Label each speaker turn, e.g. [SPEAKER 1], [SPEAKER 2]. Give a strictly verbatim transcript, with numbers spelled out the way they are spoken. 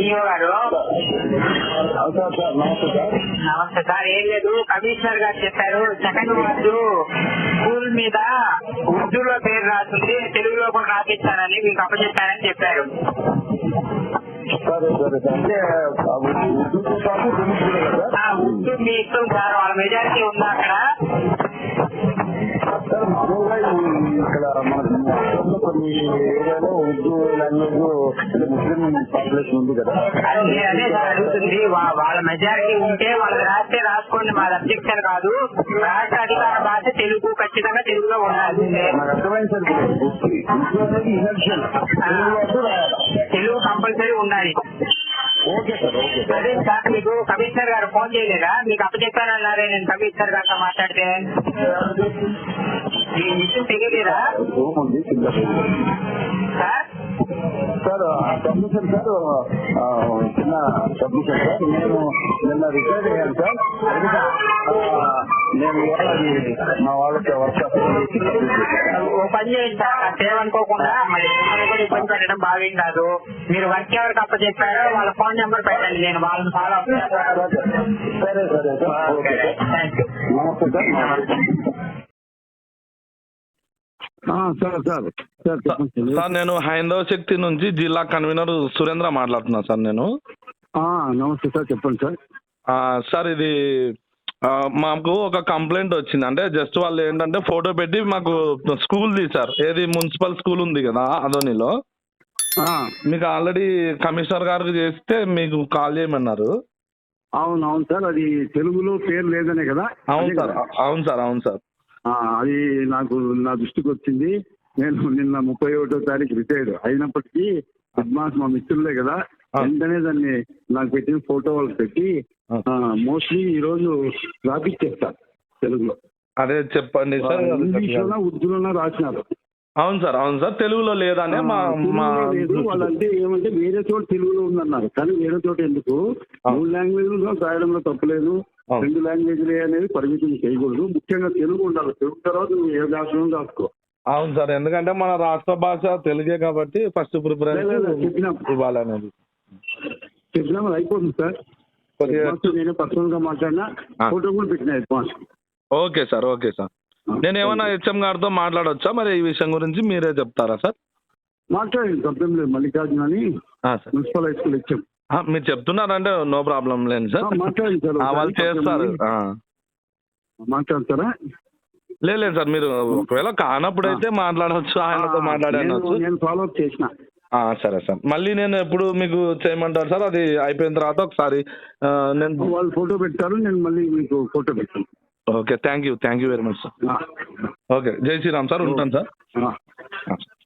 [SPEAKER 1] DO గారు.
[SPEAKER 2] Sir sir నమస్తే sir.
[SPEAKER 1] నమస్తే సార్. ఏం లేదు, కమిషనర్ గారు చెప్పారు సెకండ్ వార్డు స్కూల్ మీద ఉర్దూలో పేరు రాస్తుంది, తెలుగులో కూడా రాపిస్తానని మీకు అప్పచెప్పారని చెప్పారు.
[SPEAKER 2] సరే సరే సార్. అంటే
[SPEAKER 1] ఉర్దూ మీ ఇష్టం సార్, వాళ్ళ మెజారిటీ ఉందా అక్కడ?
[SPEAKER 2] సార్ మామూలుగా ఇక్కడ మన కొన్ని ఏరియాలో ఉర్దూ లాంగ్వేజ్ ముస్లిం పాపులేషన్ ఉంది కదా.
[SPEAKER 1] అదే అదే సార్ అడుగుతుంది. వాళ్ళ మెజారిటీ ఉంటే వాళ్ళకి రాస్తే రాసుకోండి, మాది అబ్జెక్షన్ కాదు. రాష్ట్ర అధికార భాష తెలుగు, ఖచ్చితంగా తెలుగులో ఉండాలి.
[SPEAKER 2] నాకు అర్థమైంది సార్.
[SPEAKER 1] తెలుగు కంపల్సరీ ఉండాలి.
[SPEAKER 2] Okay sir okay sir.
[SPEAKER 1] అదే సార్, మీకు కమిషనర్ గారు ఫోన్ చేయలేదా? మీకు అప్పచెప్పానన్నారే నేను కమిషనర్ గారితో మాట్లాడితే. ఈ విషయం తెలియలేదా సార్?
[SPEAKER 2] సార్ సబ్మిషన్ సార్, చిన్న సబ్మిషన్ సార్. నేను నిన్న రిటైర్ అయ్యాను సార్. నేను మా వాళ్ళకి వర్క్
[SPEAKER 1] ఓ పని చేయండి సార్, సేవనుకోకుండా మరి కూడా ఇబ్బంది పెట్టడం బాగేం కాదు. మీరు వర్క్ ఎవరికి అప్ప చెప్పారో వాళ్ళ ఫోన్ నెంబర్ పెట్టండి, నేను వాళ్ళని ఫాలో అప్ చేస్తాను.
[SPEAKER 2] సరే సరే సార్. Okay
[SPEAKER 1] thank you.
[SPEAKER 2] నమస్తే sir. Sir sir sir
[SPEAKER 3] sir నేను హైందవ శక్తి నుంచి జిల్లా కన్వీనర్ సురేంద్ర మాట్లాడుతున్నా సార్. నేను
[SPEAKER 2] నమస్తే సార్, చెప్పండి సార్.
[SPEAKER 3] సార్ ఇది మాకు ఒక కంప్లైంట్ వచ్చింది. అంటే జస్ట్ వాళ్ళు ఏంటంటే ఫోటో పెట్టి మాకు స్కూల్ తీశారు. ఏది మున్సిపల్ స్కూల్ ఉంది కదా అదోనిలో. మీకు ఆల్రెడీ కమిషనర్ గారికి చేస్తే మీకు కాల్ చేయమన్నారు.
[SPEAKER 2] అవును అవును సార్, అది తెలుగులో పేరు లేదనే కదా.
[SPEAKER 3] అవును సార్ అవును సార్ అవును సార్
[SPEAKER 2] అది నాకు నా దృష్టికి వచ్చింది. నేను నిన్న ముప్పై ఒకటో తారీఖు రిటైర్డ్ అయినప్పటికీ అడ్వాన్స్ మా మిత్రులే కదా, వెంటనే దాన్ని నాకు పెట్టిన ఫోటో వాళ్ళకి పెట్టి మోస్ట్లీ ఈ రోజు రాపిచ్చేస్తారు తెలుగులో.
[SPEAKER 3] అదే చెప్పండి సార్.
[SPEAKER 2] ఇంగ్లీష్లోనా ఉర్దూలోనా రాసినారు.
[SPEAKER 3] అవును సార్ అవును సార్, తెలుగులో లేదనే మా
[SPEAKER 2] లేదు. వాళ్ళంటే ఏమంటే వేరే చోట తెలుగులో ఉందన్నారు, కానీ వేరే చోట ఎందుకు? మూడు లాంగ్వేజ్ లో రాయడంలో తప్పలేదు, రెండు లాంగ్వేజ్లే అనేది పరిమితం చేయకూడదు. ముఖ్యంగా తెలుగు ఉండాలి. తెలుగు తర్వాత నువ్వు ఏ భాషలో రాసుకో.
[SPEAKER 3] అవును సార్, ఎందుకంటే మన రాష్ట్ర భాష తెలుగే కాబట్టి ఫస్ట్ ప్రిఫరెన్స్ ఇవ్వాలనేది
[SPEAKER 2] చెప్పినా అయిపోతుంది సార్. నేను పర్సనల్ గా మాట్లాడినా, ఫోటో కూడా పెట్టిన advance.
[SPEAKER 3] Okay sir okay sir. నేను ఏమన్నా హెచ్ఎం గారితో మాట్లాడవచ్చా మరి ఈ విషయం గురించి? మీరే చెప్తారా సార్?
[SPEAKER 2] మాట్లాడండి, తప్పేం లేదు. మల్లికార్జున అని మున్సిపల్ హై స్కూల్ హెచ్ఎం.
[SPEAKER 3] మీరు చెప్తున్నారంటే నో ప్రాబ్లం లేదు సార్,
[SPEAKER 2] మాట్లాడండి సార్.
[SPEAKER 3] వాళ్ళు చేస్తారు.
[SPEAKER 2] మాట్లాడతారా?
[SPEAKER 3] లేదు లేదు సార్, మీరు ఒకవేళ కానప్పుడు అయితే మాట్లాడవచ్చు, ఆయనతో మాట్లాడవచ్చు.
[SPEAKER 2] నేను ఫాలో అప్ చేసిన.
[SPEAKER 3] సరే సార్. మళ్ళీ నేను ఎప్పుడు మీకు చేయమంటారు సార్? అది అయిపోయిన తర్వాత ఒకసారి నేను
[SPEAKER 2] వాళ్ళు ఫోటో పెట్టారు, నేను మళ్ళీ మీకు ఫోటో పెట్టాను.
[SPEAKER 3] Okay, thank you thank you very much sir. Okay, Jai Shriram sir, ఉంటాను సార్.